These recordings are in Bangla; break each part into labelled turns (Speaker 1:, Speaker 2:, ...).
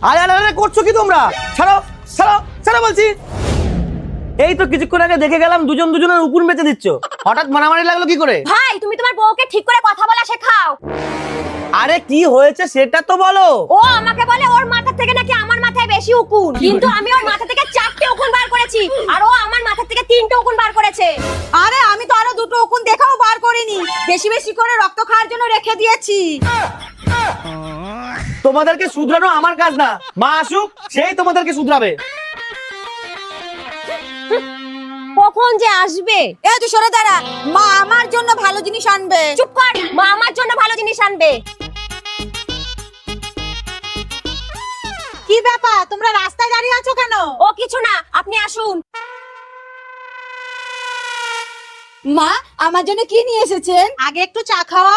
Speaker 1: আরে আরে আরে করছো কি তোমরা? ছাড়ো ছাড়ো ছাড়ো বলছি। এই তো কিছুক্ষণ আগে দেখে গেলাম দুজন দুজনের উকুন বেঁচে দিচ্ছ, হঠাৎ মারামারি লাগলো কি করে?
Speaker 2: ভাই তুমি তোমার বউকে ঠিক করে কথা বলা শেখাও।
Speaker 1: আরে কি হয়েছে সেটা তো বলো।
Speaker 2: ও আমাকে বলে ওর মাথা থেকে নাকি আমার মাথায় বেশি উকুন, কিন্তু আমি ওর মাথা থেকে 4টে উকুন বার করেছি আর ও আমার মাথা থেকে 3টে উকুন বার করেছে।
Speaker 3: আরে আমি তো আরো 2টো উকুন দেখাও বার করিনি, বেশি বেশি করে রক্ত খাওয়ার জন্য রেখে দিয়েছি।
Speaker 1: তোমাদেরকে শুধরানো আমার কাজ না, মা আসুক সেই তোমাদেরকে শুধরাবে।
Speaker 2: কখন যে আসবে?
Speaker 3: এ তুই সরে দাঁড়া, মা আমার জন্য ভালো জিনিস আনবে।
Speaker 2: চুপ কর, মা আমার জন্য ভালো জিনিস আনবে।
Speaker 3: কি ব্যাপার, তোমরা রাস্তায় দাঁড়িয়ে আছো কেন?
Speaker 2: ও কিছু না, আপনি আসুন।
Speaker 3: মা আমার জন্য কি নিয়ে এসেছেন? আগে একটু চা খাওয়াও।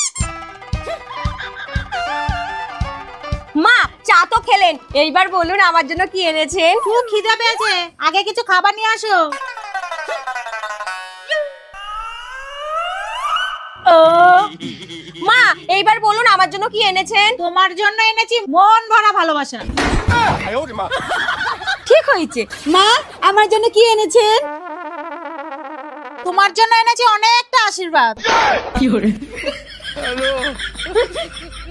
Speaker 2: মা চা তো খেলেন, এইবার বলুন আমার জন্য কি এনেছেন?
Speaker 3: খুব খিদে পেয়েছে, আগে কিছু খাবার নিয়ে আসো।
Speaker 2: মা এইবার বলুন আমার জন্য কি এনেছেন?
Speaker 3: তোমার জন্য এনেছি মন ভরা ভালোবাসা।
Speaker 2: ঠিক হয়েছে।
Speaker 3: মা আমার জন্য কি এনেছেন? তোমার জন্য এনেছি অনেকটা আশীর্বাদ।